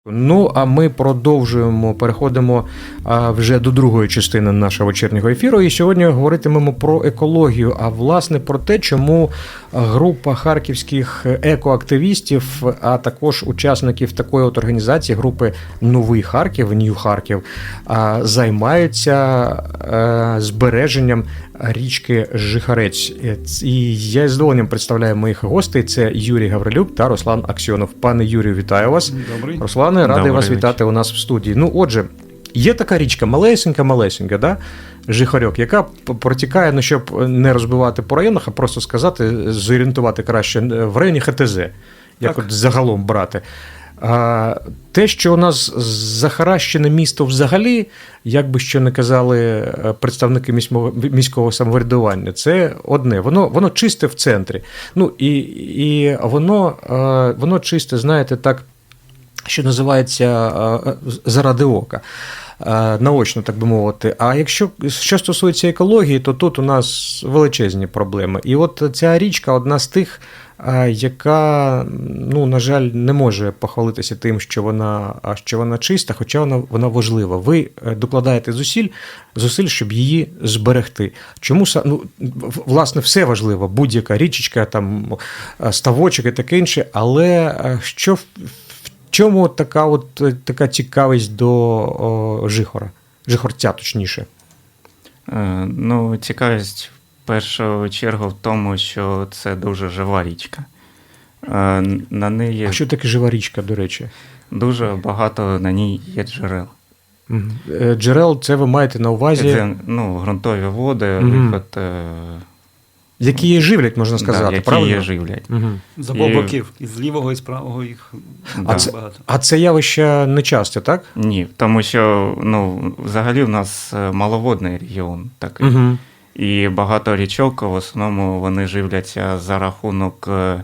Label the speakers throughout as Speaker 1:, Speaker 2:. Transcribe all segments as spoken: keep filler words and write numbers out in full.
Speaker 1: Ну, а ми продовжуємо, переходимо а, вже до другої частини нашого вечірнього ефіру. І сьогодні говоритимемо про екологію, а власне про те, чому група харківських екоактивістів, а також учасників такої от організації, групи «Новий Харків», «Нью Харків», а, займаються а, збереженням річки Жихорець. І я з задоволенням представляю моїх гостей. Це Юрій Гаврилюк та Руслан Аксьонов. Пане Юрію, вітаю вас.
Speaker 2: Добрий.
Speaker 1: Руслане, радий
Speaker 2: Добрий
Speaker 1: вас
Speaker 2: вечір.
Speaker 1: вітати у нас в студії. Ну, отже, є така річка малесенька-малесенька, да? Жихорьок, яка протікає, ну, щоб не розбивати по районах, а просто сказати, зорієнтувати краще в районі ХТЗ, як
Speaker 2: Так.
Speaker 1: от загалом брати. А, те, що у нас захаращене місто взагалі, як би що не казали представники міського, міського самоврядування, це одне. Воно, воно чисте в центрі. Ну, і, і воно, воно чисте, знаєте, так, що називається заради ока. Наочно, так би мовити. А якщо що стосується екології, то тут у нас величезні проблеми. І от ця річка одна з тих, яка, ну, на жаль, не може похвалитися тим, що вона, що вона чиста, хоча вона, вона важлива. Ви докладаєте зусиль, зусиль, щоб її зберегти. Чому, ну, власне, все важливо, будь-яка річечка, там, ставочок і таке інше, але що в чому така от така цікавість до о, Жихора? Жихорця, точніше.
Speaker 2: Е, ну, цікавість в першу чергу в тому, що це дуже жива річка. Е, на неї
Speaker 1: А що таке жива річка, до речі?
Speaker 2: дуже багато на ній є джерел.
Speaker 1: Угу. Джерел, це ви маєте на увазі?
Speaker 2: Це, ну, ґрунтові води,
Speaker 1: Угу.
Speaker 2: виход. Е,
Speaker 1: які її живлять, можна сказати,
Speaker 2: да, які
Speaker 1: правильно?
Speaker 2: її живлять.
Speaker 1: Угу.
Speaker 3: З обох боків, і з лівого, і з правого їх
Speaker 2: Да.
Speaker 1: А, це,
Speaker 3: багато.
Speaker 1: а це явище не часто, так?
Speaker 2: Ні, тому що, ну, взагалі в нас маловодний регіон такий.
Speaker 1: Угу.
Speaker 2: І багато річок, в основному вони живляться за рахунок е,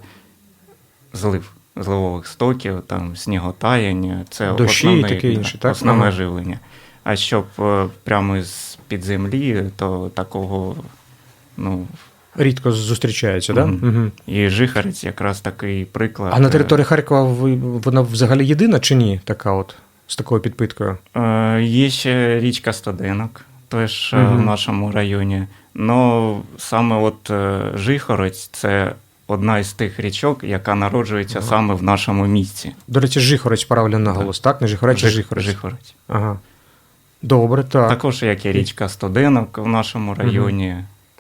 Speaker 2: злив, зливових стоків, там, сніготаяння. Це
Speaker 1: Дощі
Speaker 2: основне,
Speaker 1: і таке інше, так?
Speaker 2: основне
Speaker 1: Ага.
Speaker 2: живлення. А щоб е, прямо з-під землі, то такого, ну...
Speaker 1: Рідко зустрічається, так?
Speaker 2: Мгм.
Speaker 1: Да? Угу.
Speaker 2: І Жихорець якраз такий приклад.
Speaker 1: А на території Харкова ви- вона взагалі єдина чи ні, така от, з такою підпиткою?
Speaker 2: Е, Є ще річка Стоденок, теж е,
Speaker 1: Мгм.
Speaker 2: в нашому районі. Но саме от е, Жихорець – це одна із тих річок, яка народжується
Speaker 1: Ага.
Speaker 2: саме в нашому місті.
Speaker 1: До речі, Жихорець правильно наголос, так? Не Жихорець, а
Speaker 2: Жих-
Speaker 1: Жихорець.
Speaker 2: Жихорець.
Speaker 1: Ага. Добре, так.
Speaker 2: Також як і річка Стоденок в нашому районі.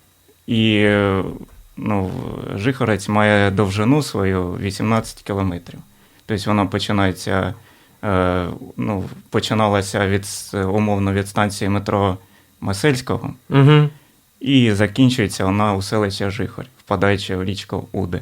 Speaker 2: І е, ну, Жихорець має довжину свою вісімнадцять кілометрів. Тобто вона починається, е, ну, починалася від, умовно від станції метро Масельського
Speaker 1: Угу.
Speaker 2: і закінчується вона у селищі Жихорь, впадаючи в річку Уди.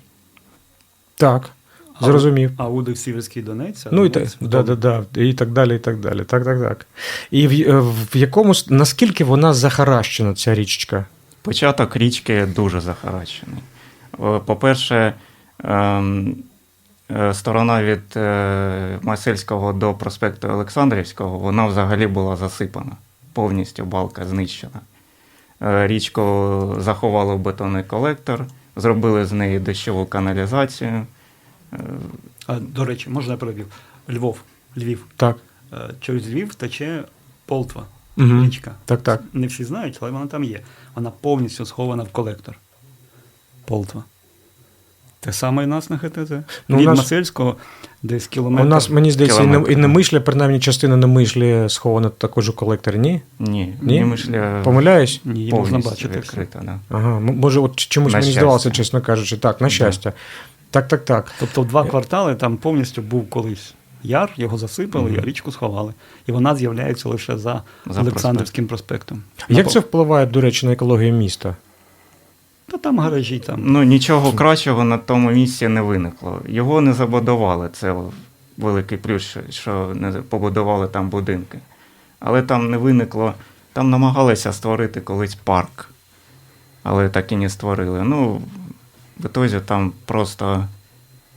Speaker 1: Так, зрозумів.
Speaker 3: А Уди в Сіверський Донець? а
Speaker 1: Ну, і, та,
Speaker 3: Донець в
Speaker 1: да, да,
Speaker 3: Дон-
Speaker 1: да, і так далі, і так далі. Так, так, так. І в, в якому, с- наскільки вона захаращена, ця річечка?
Speaker 2: Початок річки дуже захаращений. Е, По-перше, ем, е, сторона від е, Масельського до проспекту Олександрівського, вона взагалі була засипана. Повністю балка знищена. Е, Річку заховали в бетонний колектор, зробили з неї дощову каналізацію. Е,
Speaker 3: А, до речі, можна я перебив? Львов, Львів.
Speaker 1: Так.
Speaker 3: Е, Через Львів тече Полтва,
Speaker 1: Угу.
Speaker 3: річка.
Speaker 1: Так, так.
Speaker 3: Не всі знають, але вона там є. Вона повністю схована в колектор. Полтва. Те саме і нас на ХТЗ.
Speaker 1: Ну, у
Speaker 3: Від
Speaker 1: нас-
Speaker 3: Масельського десь кілометр.
Speaker 1: У нас, мені здається, і не,
Speaker 2: Кілометр.
Speaker 1: і Немишля, принаймні частина Немишлі схована також у колекторі, ні?
Speaker 2: Ні,
Speaker 1: Ні?
Speaker 2: Немишля
Speaker 1: Помиляюсь?
Speaker 3: Ні, її можна
Speaker 2: повністю
Speaker 3: бачити.
Speaker 2: відкрита. Да.
Speaker 1: Ага, м- може, от чомусь
Speaker 2: На
Speaker 1: мені
Speaker 2: щастя.
Speaker 1: здавалося, чесно кажучи. Так, на щастя. Так, так, так.
Speaker 3: Тобто в два квартали там повністю був колись яр, його засипали,
Speaker 2: Мгм.
Speaker 3: а річку сховали. І вона з'являється лише за,
Speaker 2: За
Speaker 3: Олександрівським проспектом.
Speaker 1: Як
Speaker 3: На
Speaker 1: це впливає, до речі, на екологію міста?
Speaker 3: Та там гаражі, там.
Speaker 2: Ну, нічого кращого на тому місці не виникло. Його не забудували. Це великий плюс, що- що не побудували там будинки. Але там не виникло. Там намагалися створити колись парк. Але так і не створили. Ну, в ітозі там просто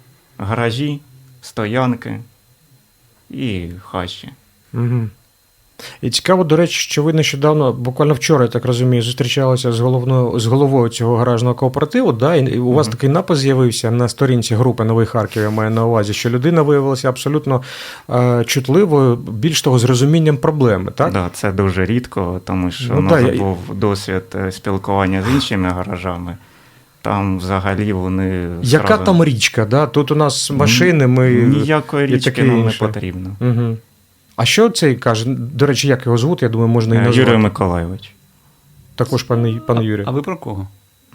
Speaker 2: гаражі, стоянки і хащі.
Speaker 1: Угу. І цікаво, до речі, що ви нещодавно, буквально вчора, я так розумію, зустрічалися з головною з головою цього гаражного кооперативу. Да? І у вас
Speaker 2: Мгм.
Speaker 1: такий напис з'явився на сторінці групи Новий Харків, я маю на увазі, що людина виявилася абсолютно е, чутливою, більш того, з розумінням проблеми. Так?
Speaker 2: Да, це дуже рідко, тому що
Speaker 1: Ну,
Speaker 2: у нас
Speaker 1: да, я-
Speaker 2: був досвід е, спілкування з іншими гаражами. Там взагалі вони.
Speaker 1: Яка
Speaker 2: зразу-
Speaker 1: там річка? Да? Тут у нас машини, ми.
Speaker 2: Ніякої
Speaker 1: і
Speaker 2: річки
Speaker 1: таке
Speaker 2: нам не
Speaker 1: інше.
Speaker 2: потрібно.
Speaker 1: Угу. А що цей каже? До речі, як його звуть? Я думаю, можна і
Speaker 2: Е,
Speaker 1: назвати.
Speaker 2: Юрій Миколайович.
Speaker 1: Також пане, пане Юрію.
Speaker 3: А ви про кого?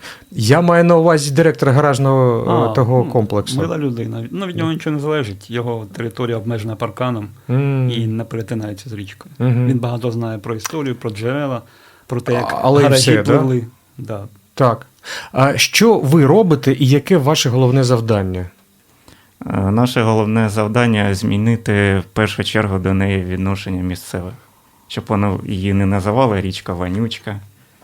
Speaker 1: Я маю на увазі директора гаражного е, того
Speaker 3: ну,
Speaker 1: комплексу.
Speaker 3: Мила людина. Ну, від нього нічого не залежить. Його територія обмежена парканом
Speaker 1: М.
Speaker 3: і не перетинається з річкою.
Speaker 1: Мгм.
Speaker 3: Він багато знає про історію, про джерела, про те, як
Speaker 1: А- але і
Speaker 3: гаражі
Speaker 1: все, да?
Speaker 3: пливли. Да?
Speaker 1: Так. А що ви робите і яке ваше головне завдання?
Speaker 2: Е, Наше головне завдання змінити в першу чергу до неї відношення місцевих, щоб вони її не називали річка Вонючка,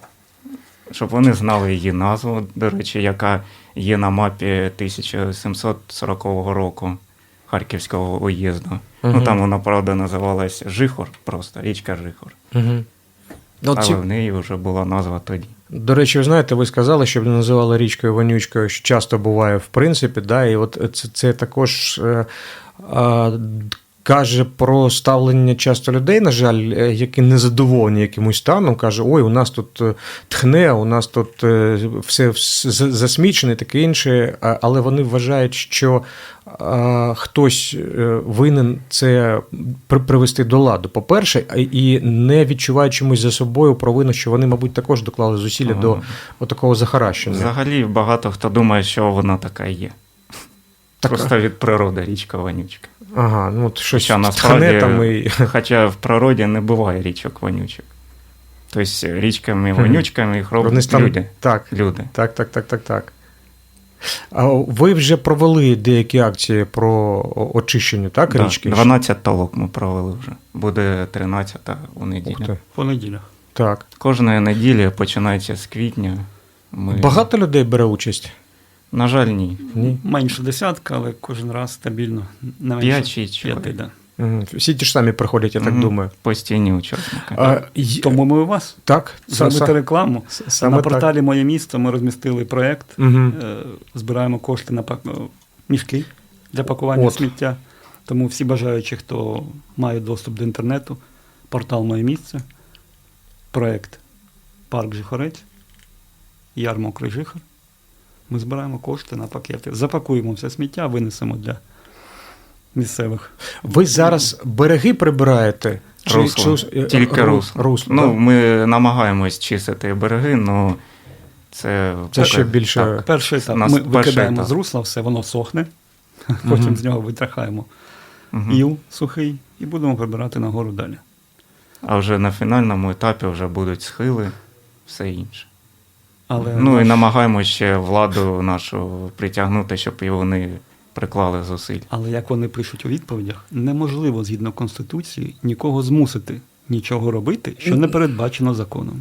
Speaker 2: щоб вони знали її назву, до речі, яка є на мапі тисяча сімсот сорокового року Харківського уїзду.
Speaker 1: Мгм.
Speaker 2: Ну там вона, правда, називалась Жихор, просто річка Жихор.
Speaker 1: Угу. От
Speaker 2: Але
Speaker 1: ці...
Speaker 2: в неї вже була назва тоді.
Speaker 1: До речі, ви знаєте, ви сказали, щоб не називали річкою вонючкою, що часто буває в принципі, да, і от це, це також е, е, каже про ставлення часто людей, на жаль, е, які незадоволені якимось станом, каже, ой, у нас тут е, тхне, у нас тут е, все вс- з- засмічене і таке інше, а- але вони вважають, що е, хтось е, винен це при- привести до ладу, по-перше, а- і не відчувають чомусь за собою провину, що вони, мабуть, також доклали зусилля
Speaker 2: Ага.
Speaker 1: до отакого захаращення.
Speaker 2: Взагалі багато хто думає, що вона така є.
Speaker 1: Так,
Speaker 2: Просто від природи річка Вонючка.
Speaker 1: ага, ну от щось
Speaker 2: Хоча
Speaker 1: тхне
Speaker 2: насправді,
Speaker 1: там і...
Speaker 2: хоча в природі не буває річок вонючок. Тобто річками
Speaker 1: Мгм.
Speaker 2: вонючками їх роблять
Speaker 1: Вони там...
Speaker 2: люди.
Speaker 1: Так,
Speaker 2: люди.
Speaker 1: так, так, так, так, так. А ви вже провели деякі акції про о- очищення, так,
Speaker 2: Да,
Speaker 1: річки?
Speaker 2: дванадцять толок ми провели вже. Буде тринадцята у
Speaker 1: Ух
Speaker 2: неділю.
Speaker 1: ти.
Speaker 3: В понеділях.
Speaker 1: Так.
Speaker 2: Кожної неділі починається з квітня. Ми...
Speaker 1: Багато людей бере участь?
Speaker 2: На жаль, ні.
Speaker 1: Ні.
Speaker 3: Менше десятка, але кожен раз стабільно. Не
Speaker 2: П'ять
Speaker 3: менше
Speaker 2: чи чоловік.
Speaker 3: п'яти, да.
Speaker 1: Мгм. Всі ті ж самі приходять, я так
Speaker 2: Мгм.
Speaker 1: думаю.
Speaker 2: Постійні учасники.
Speaker 1: А, й-
Speaker 3: Тому ми у вас
Speaker 1: Так, са-
Speaker 3: зробити
Speaker 1: са-
Speaker 3: рекламу.
Speaker 1: с- саме
Speaker 3: На
Speaker 1: так.
Speaker 3: порталі Моє місто ми розмістили проєкт.
Speaker 1: Мгм.
Speaker 3: Е, Збираємо кошти на пак- о, мішки для пакування
Speaker 1: От.
Speaker 3: сміття. Тому всі бажаючі, хто має доступ до інтернету, портал Моє місце, проєкт Парк Жихорець, Яр Мокрий Жихор. Ми збираємо кошти на пакети. Запакуємо все сміття, винесемо для місцевих.
Speaker 1: Ви зараз береги прибираєте? Чи-
Speaker 2: Русло.
Speaker 1: чи- е,
Speaker 2: Тільки
Speaker 1: ру-
Speaker 2: русло.
Speaker 1: русло,
Speaker 2: Ну,
Speaker 1: да?
Speaker 2: ми намагаємось чистити береги, але це,
Speaker 1: Це ще більше-
Speaker 2: Так.
Speaker 3: Перший етап.
Speaker 2: Нас
Speaker 3: Ми
Speaker 2: перший
Speaker 3: викидаємо
Speaker 2: етап.
Speaker 3: з русла, все воно сохне, потім
Speaker 1: Мгм.
Speaker 3: з нього витрахаємо
Speaker 2: Мгм.
Speaker 3: іл сухий і будемо прибирати нагору далі.
Speaker 2: А вже на фінальному етапі вже будуть схили, все інше.
Speaker 3: Але
Speaker 2: Ну і
Speaker 3: наш-
Speaker 2: намагаємося ще владу нашу притягнути, щоб і вони приклали зусиль.
Speaker 3: Але як вони пишуть у відповідях, неможливо згідно Конституції нікого змусити нічого робити, що не передбачено законом.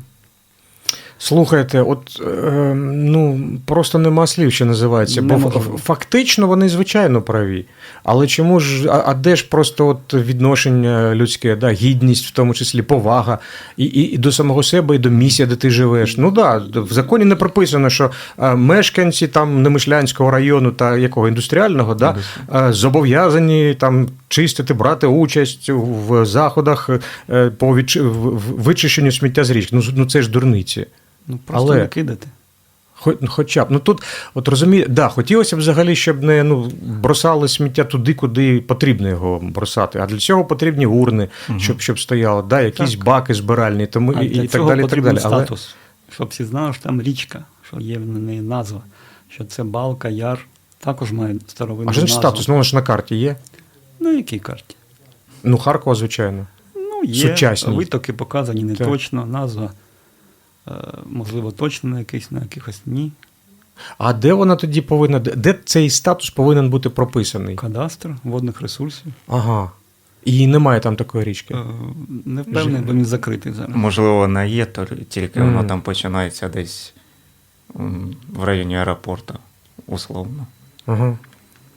Speaker 1: Слухайте, от е, ну просто нема слів, що називається. Бо
Speaker 3: Неможливо.
Speaker 1: ф- фактично вони звичайно праві. Але чому ж, а, а де ж просто от відношення людське, да, гідність, в тому числі повага, і, і, і до самого себе, і до місця, де ти живеш. Ну да, в законі не прописано, що е, мешканці там Немишлянського району та якого індустріального, да, е, зобов'язані там чистити, брати участь в заходах е, по відчи- в- в- вичищенню сміття з річки. Ну, з- ну це ж дурниці.
Speaker 3: Ну просто
Speaker 1: Але-
Speaker 3: не кидати.
Speaker 1: Хо- Хоча б, ну тут, от розумієте, да, хотілося б взагалі, щоб не ну, бросали сміття туди, куди потрібно його бросати. А для цього потрібні урни,
Speaker 2: Мгм.
Speaker 1: щоб, щоб стояло, да, якісь
Speaker 3: Так.
Speaker 1: баки збиральні, тому
Speaker 3: А
Speaker 1: і,
Speaker 3: для
Speaker 1: і так
Speaker 3: цього
Speaker 1: далі. І так
Speaker 3: потрібен
Speaker 1: далі. Але,
Speaker 3: статус, щоб всі знали, що там річка, що є в неї назва, що це балка, яр, також має старовинну
Speaker 1: а що
Speaker 3: назву.
Speaker 1: ж статус? Ну, воно ж на карті є.
Speaker 3: На якій карті?
Speaker 1: Ну, Харкова, звичайно.
Speaker 3: Ну, є
Speaker 1: Сучасні.
Speaker 3: витоки показані не
Speaker 1: Так.
Speaker 3: точно, назва, е, можливо, точно на якийсь, на якихось ні.
Speaker 1: А де вона тоді повинна, де- де цей статус повинен бути прописаний?
Speaker 3: Кадастр водних ресурсів.
Speaker 1: Ага. І немає там такої річки.
Speaker 3: Е, Не впевнений, бо він закритий зараз.
Speaker 2: Можливо, вона є, то тільки
Speaker 1: Мгм.
Speaker 2: вона там починається десь м, в районі аеропорту, условно.
Speaker 1: Ага.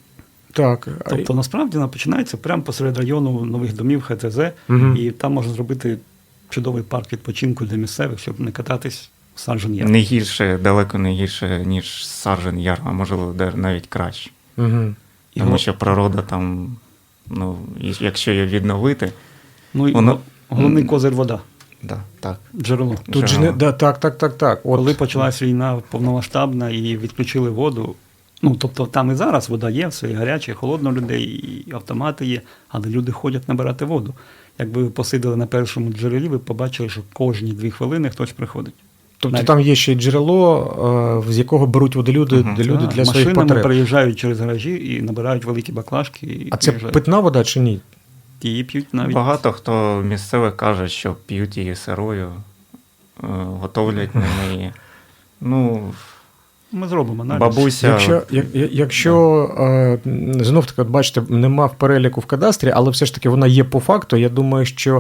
Speaker 1: Так.
Speaker 3: Тобто, насправді, вона починається прямо посеред району нових домів Х Т З,
Speaker 1: Мгм.
Speaker 3: і там можна зробити чудовий парк відпочинку для місцевих, щоб не кататись в Саржен Яр.
Speaker 2: Не гірше, далеко не гірше, ніж Саржен Яр, а можливо де- навіть краще.
Speaker 1: Угу.
Speaker 3: І
Speaker 2: Тому
Speaker 3: го-
Speaker 2: що природа там, ну, і якщо її відновити,
Speaker 3: Ну і
Speaker 2: воно-
Speaker 3: го- головний козир вода,
Speaker 2: да, так.
Speaker 3: джерело.
Speaker 1: Тут же не да, так, так, так, так. От.
Speaker 3: Коли почалась війна повномасштабна і відключили воду, ну тобто там і зараз вода є, все і гаряче, і холодно у людей, і автомати є, але люди ходять набирати воду. Якби ви посиділи на першому джерелі, ви побачили, що кожні дві хвилини хтось приходить.
Speaker 1: Тобто
Speaker 3: Навіть-
Speaker 1: там є ще й джерело, е, з якого беруть воду люди,
Speaker 2: Мгм.
Speaker 1: де люди
Speaker 3: Так,
Speaker 1: для своїх
Speaker 3: машинами
Speaker 1: потреб.
Speaker 3: приїжджають через гаражі і набирають великі баклажки. І
Speaker 1: А це
Speaker 3: приїжджають.
Speaker 1: питна вода чи ні?
Speaker 3: Її п'ють навіть.
Speaker 2: Багато хто місцевих каже, що п'ють її сирою, е, готовлять на неї. Ну,
Speaker 3: Ми зробимо аналіз.
Speaker 2: бабуся.
Speaker 1: Якщо, як- як- якщо е, знов таки, от бачите, нема в переліку в кадастрі, але все ж таки вона є по факту, я думаю, що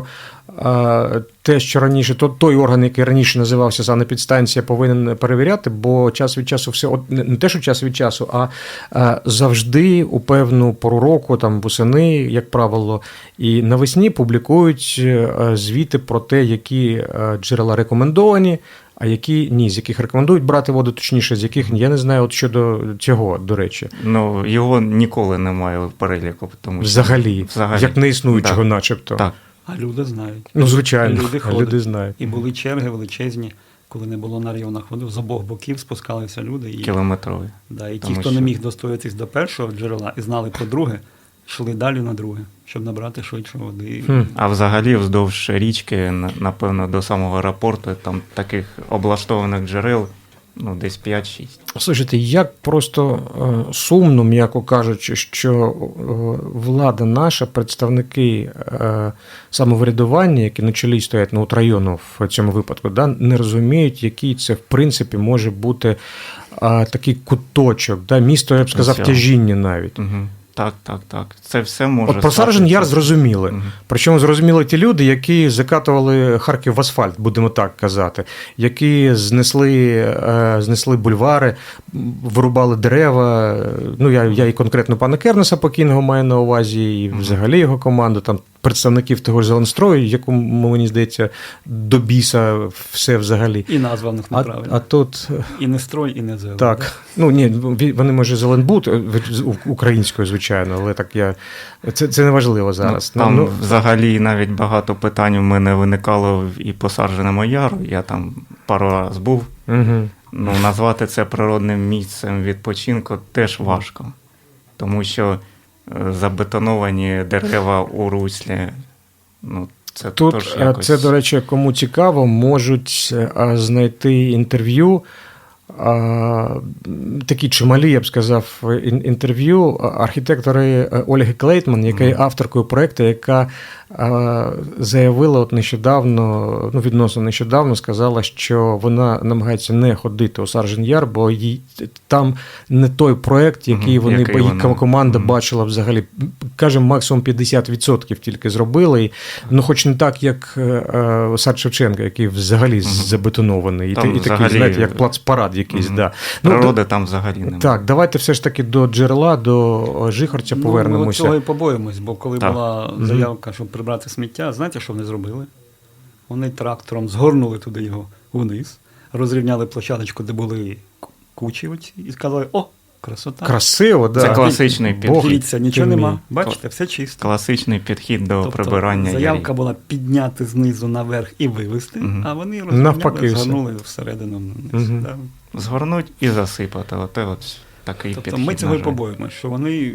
Speaker 1: е, те, що раніше, то, той орган, який раніше називався санепідстанція, повинен перевіряти, бо час від часу все, от, не не те, що час від часу, а е, завжди у певну пору року, там восени, як правило, і навесні публікують е, звіти про те, які е, джерела рекомендовані, а які ні, з яких рекомендують брати воду, точніше, з яких я не знаю, от щодо цього, до речі.
Speaker 2: Ну, його ніколи немає в переліку, тому що
Speaker 1: Взагалі,
Speaker 2: взагалі.
Speaker 1: як неіснуючого,
Speaker 2: Да.
Speaker 1: начебто.
Speaker 2: Так.
Speaker 3: А люди знають.
Speaker 1: Ну, звичайно,
Speaker 3: Люди
Speaker 1: люди,
Speaker 3: ходять.
Speaker 1: люди знають.
Speaker 3: І були черги величезні, коли не було на районах води. З обох боків спускалися люди. І,
Speaker 2: Кілометрові.
Speaker 3: да, і ті,
Speaker 2: Тому
Speaker 3: хто
Speaker 2: що-
Speaker 3: не міг достоятись до першого джерела і знали про друге, йшли далі на друге, щоб набрати швидше води.
Speaker 1: Хм.
Speaker 2: А взагалі вздовж річки, на- напевно, до самого аеропорту, там таких облаштованих джерел, ну, десь п'ять-шість.
Speaker 1: Слухайте, як просто е, сумно, м'яко кажучи, що е, влада наша, представники е, самоврядування, які на чолі стоять, ну, от району в цьому випадку, да, не розуміють, який це, в принципі, може бути е, такий куточок, да, місто, я б сказав,
Speaker 2: Цього.
Speaker 1: тяжіння навіть.
Speaker 2: Угу. Так, так, так. Це все може.
Speaker 1: От про Саржен Яр зрозуміли.
Speaker 2: Мгм.
Speaker 1: Причому зрозуміли ті люди, які закатували Харків в асфальт, будемо так казати, які знесли, е, знесли бульвари, м, вирубали дерева. Ну, я, я і конкретно пана Кернеса покійного маю на увазі, і взагалі його команду, там представників того ж Зеленстрою, якому, мені здається, до біса все взагалі.
Speaker 3: І назва в них
Speaker 1: А,
Speaker 3: неправильна.
Speaker 1: а тут
Speaker 3: І не строй, і не зелень.
Speaker 1: так. Ну ні, вони може Зеленбуд е, з- у- українською, звичайно, але так я. Це, це не важливо зараз.
Speaker 2: Ну, там
Speaker 1: Ну,
Speaker 2: взагалі навіть багато питань у мене виникало і по Сарженому Яру. Я там пару раз був.
Speaker 1: угу.
Speaker 2: Ну, назвати це природним місцем відпочинку теж важко. Тому що е, забетоновані дерева у руслі. Ну, це
Speaker 1: Тут
Speaker 2: теж
Speaker 1: е,
Speaker 2: якось...
Speaker 1: це, до речі, кому цікаво, можуть е, знайти інтерв'ю. е, Такі чималі, я б сказав, ін- інтерв'ю архітектори е, Ольги Клейтман, яка є авторкою проєкту, яка е, заявила от нещодавно, ну відносно нещодавно, сказала, що вона намагається не ходити у Саржен Яр, бо їй там не той проєкт, який
Speaker 2: Мгм,
Speaker 1: вони,
Speaker 2: який
Speaker 1: бо її
Speaker 2: вона-
Speaker 1: команда
Speaker 2: Мгм.
Speaker 1: бачила взагалі. Кажемо, максимум п'ятдесят відсотків тільки зробили. І, ну, хоч не так, як е, е, сад Шевченка, який взагалі забетонований. І,
Speaker 2: Там
Speaker 1: та- і такий,
Speaker 2: взагалі-
Speaker 1: знаєте, як плацпарад якийсь.
Speaker 2: Мгм.
Speaker 1: Да. Ну,
Speaker 2: Природи там взагалі немає.
Speaker 1: так, давайте все ж таки до джерела, до Жихорця
Speaker 3: Ну, ми
Speaker 1: повернемося.
Speaker 3: цього і побоїмось, бо коли
Speaker 2: Так.
Speaker 3: була
Speaker 1: Мгм.
Speaker 3: заявка, щоб прибрати сміття, знаєте, що вони зробили? Вони трактором згорнули туди його вниз, розрівняли площадочку, де були к- кучі, оці, і сказали: о, красота.
Speaker 1: Красиво, да.
Speaker 2: Це класичний
Speaker 1: Бог
Speaker 2: підхід.
Speaker 3: Дивіться, нічого
Speaker 1: ти
Speaker 3: нема.
Speaker 1: мій.
Speaker 3: Бачите, все чисто.
Speaker 2: Класичний підхід до
Speaker 3: Тобто,
Speaker 2: прибирання
Speaker 3: заявка
Speaker 2: ярів.
Speaker 3: була підняти знизу наверх і вивести,
Speaker 2: Мгм.
Speaker 3: а вони
Speaker 1: Навпаки
Speaker 3: розрівняли,
Speaker 1: все.
Speaker 3: згорнули всередину вниз.
Speaker 1: Мгм.
Speaker 3: Да.
Speaker 2: Згорнуть і засипати. Оте от такий
Speaker 3: Тобто
Speaker 2: підхід.
Speaker 3: ми цього і
Speaker 2: на жаль.
Speaker 3: побоїмося, що вони,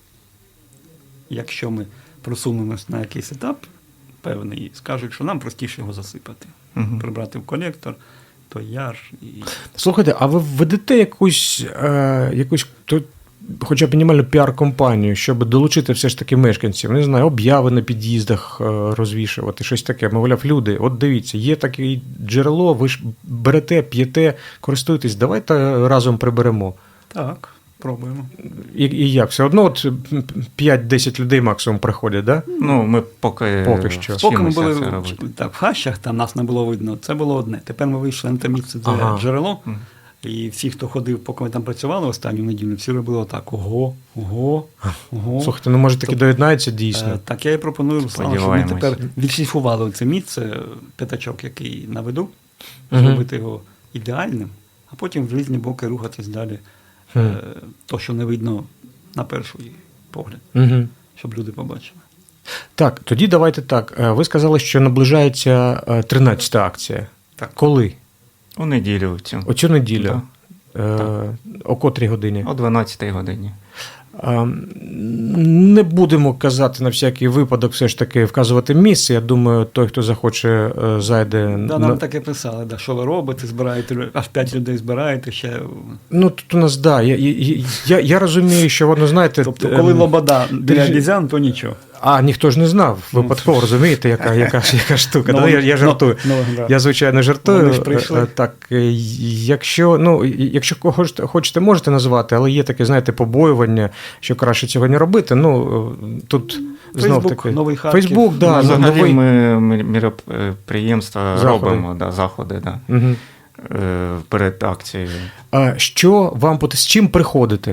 Speaker 3: якщо ми просунемось на якийсь етап певний, скажуть, що нам простіше його засипати,
Speaker 2: Мгм.
Speaker 3: прибрати в колектор, то яр і
Speaker 1: Слухайте, а ви введете якусь, е, якусь то, хоча б мінімальну піар-компанію, щоб долучити все ж таки мешканців, не знаю, обяви на під'їздах е, розвішувати, щось таке. Мовляв, люди, от дивіться, є таке джерело, ви ж берете, п'єте, користуєтесь, давайте разом приберемо.
Speaker 3: так, пробуємо.
Speaker 1: І, і як? Все одно от п'ять-десять людей максимум приходять, да?
Speaker 2: Ну, ми поки,
Speaker 1: Поки що.
Speaker 3: Поки ми
Speaker 2: вчимося
Speaker 3: були
Speaker 2: це
Speaker 3: в-
Speaker 2: робити.
Speaker 3: так, в хащах, там нас не було видно, це було одне. Тепер ми вийшли на те місце, де
Speaker 1: Ага.
Speaker 3: джерело,
Speaker 2: Мгм.
Speaker 3: І всі, хто ходив, поки ми там працювали останню неділю, всі робили отак: ого, ого, ого.
Speaker 1: Слухайте, ну може таки
Speaker 3: Тобто,
Speaker 1: доєднається дійсно.
Speaker 3: Е, Так, я і пропоную, Руслану, щоб ми
Speaker 2: Сподіваємось.
Speaker 3: тепер відшліфували це місце, п'ятачок, який наведу,
Speaker 1: Мгм.
Speaker 3: зробити його ідеальним, а потім в різні боки рухатись далі.
Speaker 1: Хм.
Speaker 3: Е, То, що не видно на перший погляд,
Speaker 1: Угу.
Speaker 3: щоб люди побачили.
Speaker 1: Так, тоді давайте так. Е, Ви сказали, що наближається е, тринадцята акція.
Speaker 3: Так.
Speaker 1: Коли?
Speaker 2: У неділю цю.
Speaker 1: Оцю неділю.
Speaker 2: Да.
Speaker 1: Е, О котрій годині?
Speaker 2: О дванадцятій годині.
Speaker 1: А, Не будемо казати на всякий випадок, все ж таки вказувати місце. Я думаю, той, хто захоче, е, зайде.
Speaker 3: Да,
Speaker 1: на...
Speaker 3: нам таке писали, да, що ви робите, збираєте, лю- аж п'ять людей збираєте ще.
Speaker 1: Ну, тут у нас, да. Я, я, я, я розумію, що воно, знаєте.
Speaker 3: Тобто, коли
Speaker 1: ем,
Speaker 3: лобода біля
Speaker 1: держи-
Speaker 3: обізян, то нічого.
Speaker 1: А, ніхто ж не знав, випадково, розумієте, яка, яка, ж- яка штука.
Speaker 3: Ну,
Speaker 1: Да, я, я жартую.
Speaker 3: ну, ну, да.
Speaker 1: Я, звичайно, жартую.
Speaker 3: Вони ж прийшли.
Speaker 1: Е, Так, е, якщо, ну, якщо хочете, хочете, можете назвати, але є таке, знаєте, побоювання, що краще цього не робити. Ну, е, тут знов
Speaker 3: Фейсбук,
Speaker 1: таки.
Speaker 3: Новий Харків.
Speaker 1: Фейсбук, да,
Speaker 3: Ну,
Speaker 2: Ну, взагалі
Speaker 1: новий.
Speaker 2: ми мі- міроприємства
Speaker 1: Заходи.
Speaker 2: робимо, да, заходи да,
Speaker 1: Угу.
Speaker 2: е, перед акцією.
Speaker 1: А що вам пот- з чим приходите?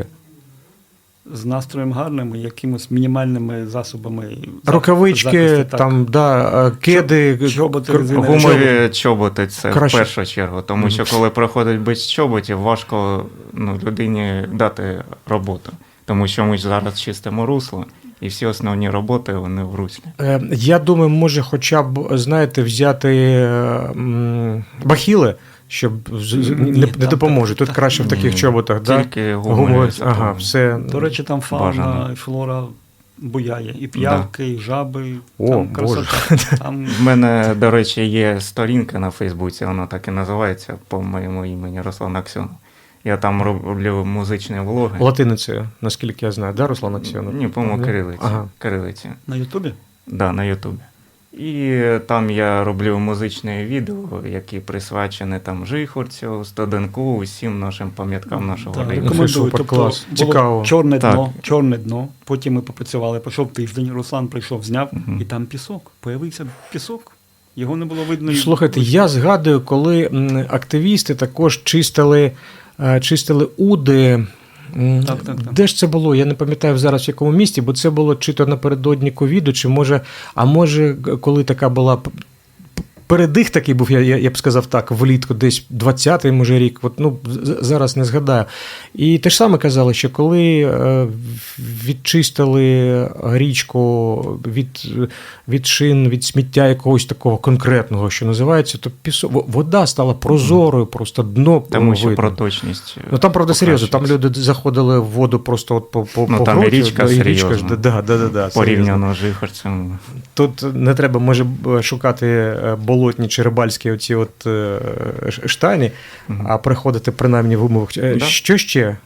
Speaker 3: З настроєм гарним і якимось мінімальними засобами. зах-
Speaker 1: Рукавички,
Speaker 3: захисту, так.
Speaker 1: там, да, е, кеди,
Speaker 3: Чоб- чоботи
Speaker 1: кр-
Speaker 3: резинові.
Speaker 2: Гумові чоботи це
Speaker 1: Краще.
Speaker 2: в першу чергу, тому що коли приходить без чоботів, важко ну, людині дати роботу. Тому що ми ж зараз чистимо русло, і всі основні роботи вони в руслі.
Speaker 1: Е, Я думаю, може хоча б, знаєте, взяти е, м, бахіли, щоб з- з-
Speaker 3: Ні,
Speaker 1: не, не
Speaker 3: так,
Speaker 1: допоможе.
Speaker 3: так,
Speaker 1: Тут
Speaker 3: так.
Speaker 1: краще в таких
Speaker 2: Ні,
Speaker 1: чоботах, да?
Speaker 2: Тільки гумові.
Speaker 1: Гумові,
Speaker 2: це
Speaker 1: ага,
Speaker 2: то-
Speaker 1: все.
Speaker 3: До речі, там фауна
Speaker 2: Бажано.
Speaker 3: і флора буяє. І п'явки, і жаби.
Speaker 1: О,
Speaker 3: там
Speaker 1: Боже.
Speaker 3: красота. Там
Speaker 2: В мене, до речі, є сторінка на Фейсбуці, вона так і називається по моєму імені Руслан Аксьонов. Я там роблю музичні влоги.
Speaker 1: Латиницею, наскільки я знаю, да, Руслан Аксьонов?
Speaker 2: Ні, по-моєму, кирилиці.
Speaker 1: Ага.
Speaker 2: Кирилиці.
Speaker 3: на Ютубі?
Speaker 2: Да, на Ютубі. І там я роблю музичні відео, які присвячені там Жихорцю, Стоденку, усім нашим пам'яткам нашого
Speaker 3: Так,
Speaker 2: району.
Speaker 3: рекомендую.
Speaker 1: Супер,
Speaker 3: Тобто,
Speaker 1: клас.
Speaker 3: було
Speaker 1: Цікаво.
Speaker 3: Чорне
Speaker 2: Так.
Speaker 3: дно, чорне дно. Потім ми попрацювали, пройшов тиждень, Руслан прийшов, зняв,
Speaker 2: Мгм.
Speaker 3: і там пісок. Появився пісок. Його не було видно. і-
Speaker 1: Слухайте, я згадую, коли м, активісти також чистили, е, чистили уди. М,
Speaker 3: Так, так, так.
Speaker 1: Де ж це було? Я не пам'ятаю зараз в якому місті, бо це було чи то напередодні ковіду, чи може, а може, коли така була п- п- передих такий був, я, я, я б сказав так, влітку, десь двадцятий, може, рік, от, ну, з- зараз не згадаю. І те ж саме казали, що коли е, відчистили річку від, від шин, від сміття якогось такого конкретного, що називається, то пісок, во- вода стала прозорою, просто дно
Speaker 2: Тому що
Speaker 1: видно.
Speaker 2: проточність.
Speaker 1: Ну там, правда, серйозно, там
Speaker 2: покращується.
Speaker 1: люди заходили в воду просто от по, по,
Speaker 2: Ну,
Speaker 1: по
Speaker 2: там і
Speaker 1: грудь,
Speaker 2: річка
Speaker 1: да, і річка ж,
Speaker 2: серйозна.
Speaker 1: да, да, да, да, серйозно.
Speaker 2: Порівняно з Жихорцем.
Speaker 1: Тут не треба, може, б, шукати е, болотні чи рибальські оці от е, ш- штані,
Speaker 2: Мгм.
Speaker 1: а приходити принаймні в умовах. Е,
Speaker 2: Да.
Speaker 1: Що ще?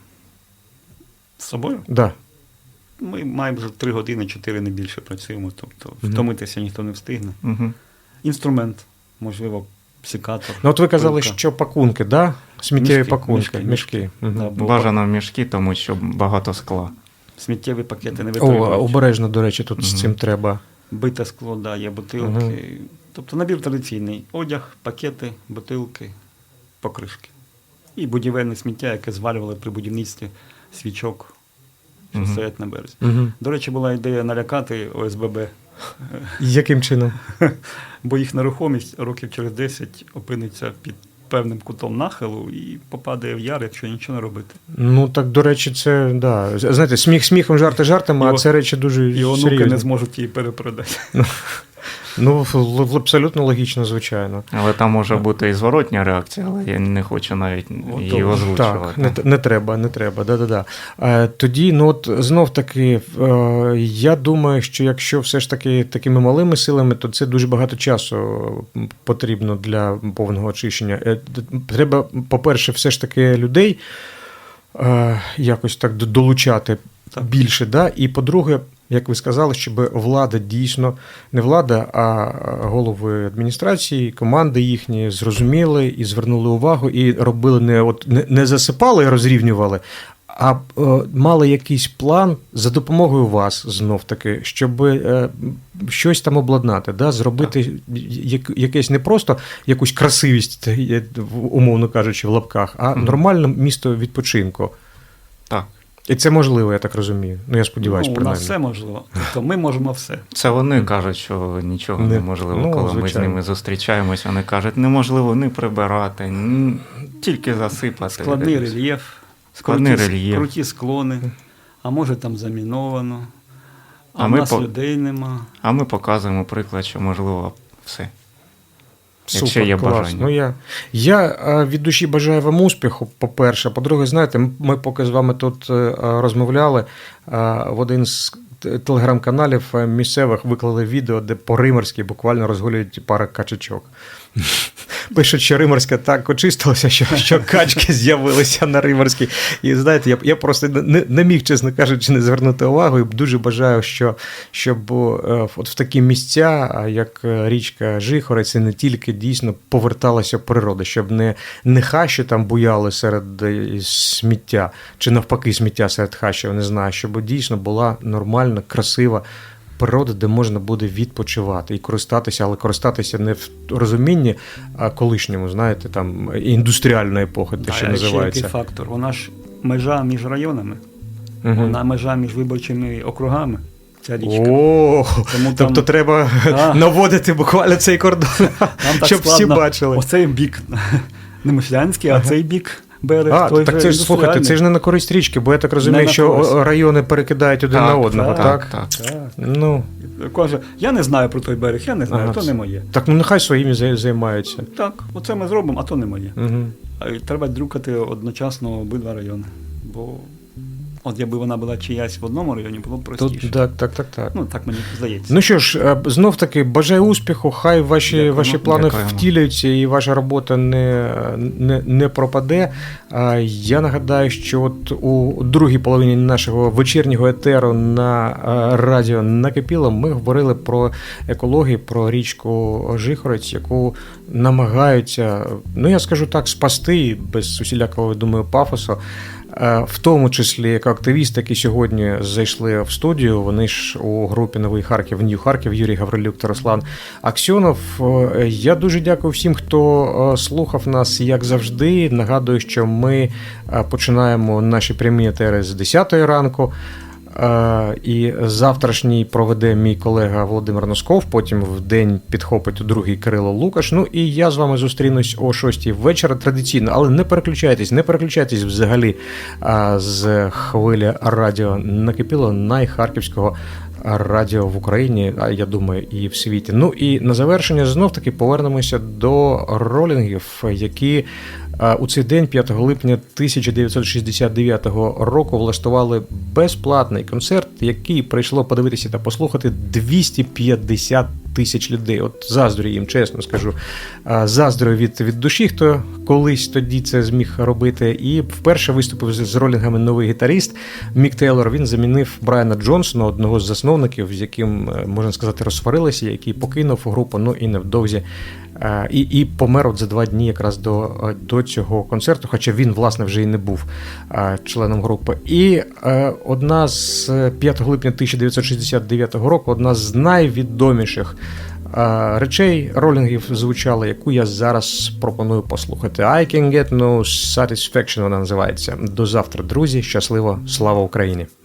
Speaker 3: З собою?
Speaker 1: Да.
Speaker 3: Ми майже три години, чотири не більше працюємо, тобто
Speaker 1: Мгм.
Speaker 3: втомитися ніхто не встигне.
Speaker 2: Угу.
Speaker 3: Інструмент, можливо, псикатор.
Speaker 1: Ну, от ви казали,
Speaker 3: пилка.
Speaker 1: що пакунки, да? Сміттєві
Speaker 3: Мішки,
Speaker 1: пакунки,
Speaker 3: мішки,
Speaker 1: мішки. Мгм.
Speaker 3: Да, бо
Speaker 2: Бажано мішки, тому що багато скла.
Speaker 3: сміттєві пакети не
Speaker 1: О,
Speaker 3: витримують.
Speaker 1: обережно, до речі, тут з
Speaker 2: Мгм.
Speaker 1: цим треба.
Speaker 3: Бите скло, да, є бутилки.
Speaker 1: Мгм.
Speaker 3: Тобто набір традиційний. Одяг, пакети, бутилки, покришки. І будівельне сміття, яке звалювали при будівництві свічок, що
Speaker 2: Мгм.
Speaker 3: стоять на березі.
Speaker 1: Угу.
Speaker 3: До речі, була ідея налякати О С Б Б,
Speaker 1: Яким чином?
Speaker 3: бо їх нерухомість років через десять опиниться під певним кутом нахилу і попадає в яр, якщо нічого не робити.
Speaker 1: Ну, так, до речі, це, да. Знаєте, сміх сміхом, жарти жартами, а
Speaker 3: І о-
Speaker 1: це речі дуже
Speaker 3: І онуки
Speaker 1: серйозні.
Speaker 3: не зможуть її перепродати.
Speaker 1: Ну, л- л- абсолютно логічно, звичайно.
Speaker 2: Але там може бути і зворотня реакція, але я не хочу навіть її
Speaker 3: Готово.
Speaker 2: озвучувати.
Speaker 1: Так, не, т- не треба, не треба. Да-да-да. Е, тоді, ну от знов таки, е, я думаю, що якщо все ж таки такими малими силами, то це дуже багато часу м, потрібно для повного очищення. Е, д- треба, по-перше, все ж таки людей е, якось так д- долучати
Speaker 3: Так.
Speaker 1: більше. Да? І по-друге, як ви сказали, щоб влада дійсно, не влада, а голови адміністрації, команди їхні зрозуміли і звернули увагу, і робили не, от, не, не засипали і розрівнювали, а е, мали якийсь план за допомогою вас знов таки, щоб е, щось там обладнати, да? Зробити як, якесь не просто якусь красивість, умовно кажучи, в лапках, а
Speaker 2: Мгм.
Speaker 1: нормальне місто відпочинку.
Speaker 2: Так.
Speaker 1: І це можливо, я так розумію. Ну, я сподіваюся,
Speaker 3: Ну, у нас
Speaker 1: принаймні.
Speaker 3: все можливо. Тобто ми можемо все.
Speaker 2: Це вони кажуть, що нічого
Speaker 1: Не-
Speaker 2: неможливо,
Speaker 1: ну,
Speaker 2: коли ми з
Speaker 1: звичайно.
Speaker 2: ними зустрічаємось, вони кажуть, неможливо не прибирати, ні- тільки засипати.
Speaker 3: Складний рельєф,
Speaker 2: Складний
Speaker 3: круті,
Speaker 2: рельєф.
Speaker 3: круті склони, а може там заміновано, а,
Speaker 2: А
Speaker 3: в
Speaker 2: ми
Speaker 3: нас
Speaker 2: по-
Speaker 3: людей нема.
Speaker 2: А ми показуємо приклад, що можливо все.
Speaker 1: Супер,
Speaker 2: Якщо є
Speaker 1: клас.
Speaker 2: бажання.
Speaker 1: Ну, я, я е, від душі бажаю вам успіху, по-перше. По-друге, знаєте, м- ми поки з вами тут е, розмовляли, е, в один з т- телеграм-каналів е, місцевих виклали відео, де по Римарській буквально розгулюють пара качачок. Пишуть, що Римарська так очистилася, що, що качки з'явилися на Римарській. І знаєте, я, я просто не, не міг, чесно кажучи, не звернути увагу. І дуже бажаю, що, щоб е, от в такі місця, а як е, річка Жихорець, і не тільки дійсно поверталася природа, щоб не, не хащі там буяли серед е, сміття, чи навпаки сміття серед хащів, не знаю, щоб дійсно була нормальна, красива природа, де можна буде відпочивати і користатися, але користатися не в розумінні а колишньому, знаєте, там індустріальної епохи, те,
Speaker 3: Да,
Speaker 1: що
Speaker 3: а ще
Speaker 1: називається.
Speaker 3: який фактор? Вона ж межа між районами,
Speaker 1: Мгм.
Speaker 3: вона межа між виборчими округами, ця річка.
Speaker 1: О,
Speaker 3: Тому
Speaker 1: тобто
Speaker 3: там-
Speaker 1: треба
Speaker 3: Да.
Speaker 1: наводити буквально цей кордон,
Speaker 3: Там так
Speaker 1: щоб всі
Speaker 3: складно.
Speaker 1: бачили.
Speaker 3: Оцей бік не Мишлянський, а цей бік берег.
Speaker 1: А,
Speaker 3: той
Speaker 1: так
Speaker 3: же
Speaker 1: це ж слухайте,
Speaker 3: індустріальний.
Speaker 1: це ж не на користь річки, бо я так розумію,
Speaker 3: на
Speaker 1: що
Speaker 3: користь.
Speaker 1: райони перекидають один на одного, так?
Speaker 2: так, так.
Speaker 3: Так.
Speaker 1: Ну,
Speaker 3: Каже, я не знаю про той берег, я не знаю,
Speaker 1: Ага,
Speaker 3: то
Speaker 1: це-
Speaker 3: не моє.
Speaker 1: так ну нехай своїми зай- займаються.
Speaker 3: Так, оце ми зробимо, а то не моє.
Speaker 1: Угу.
Speaker 3: А й треба друкати одночасно обидва райони. Бо от якби вона була чиясь в одному районі, було б простіше.
Speaker 1: Тут, так, так, так, так.
Speaker 3: Ну, так мені здається.
Speaker 1: Ну що ж, е, знов таки бажаю успіху, хай ваші,
Speaker 3: Дякуємо.
Speaker 1: ваші плани
Speaker 2: Дякуємо.
Speaker 1: втілюються і ваша робота не, не, не пропаде. А я нагадаю, що от у другій половині нашого вечірнього етеру на е, радіо Накипіло ми говорили про екологію, про річку Жихорець, яку намагаються, ну я скажу так, спасти без усілякого, думаю, пафосу. Е, В тому числі як активісти, які сьогодні зайшли в студію, вони ж у групі Новий Харків, Нью Харків, Юрій Гаврилюк та Руслан Аксьонов. Е, Я дуже дякую всім, хто е, слухав нас, як завжди. Нагадую, що ми е, починаємо наші прямі етери з десятої ранку. Е, І завтрашній проведе мій колега Володимир Носков, потім в день підхопить у другий Кирило Лукаш. Ну і я з вами зустрінусь о шостій вечора традиційно, але не переключайтесь, не переключайтесь взагалі а, з хвилі радіо Накипіло, найхарківського радіо в Україні, а я думаю, і в світі. Ну і на завершення знов таки повернемося до ролінгів, які а, у цей день, п'ятого липня тисяча дев'ятсот шістдесят дев'ятого року, влаштували безплатний концерт, який прийшло подивитися та послухати двісті п'ятдесят тисяч людей. От заздрю їм, чесно скажу. А, Заздрю від, від душі, хто колись тоді це зміг робити. І вперше виступив з, з ролінгами новий гітаріст Мік Тейлор. Він замінив Брайана Джонсона, одного з засновників, з яким, можна сказати, розсварилися, який покинув групу, ну і невдовзі е, і, і помер от за два дні якраз до, до цього концерту, хоча він, власне, вже і не був е, членом групи. І е, одна з п'ятого липня тисяча дев'ятсот шістдесят дев'ятого року, одна з найвідоміших е, речей ролінгів звучала, яку я зараз пропоную послухати. I can get no satisfaction, вона називається. До завтра, друзі. Щасливо. Слава Україні!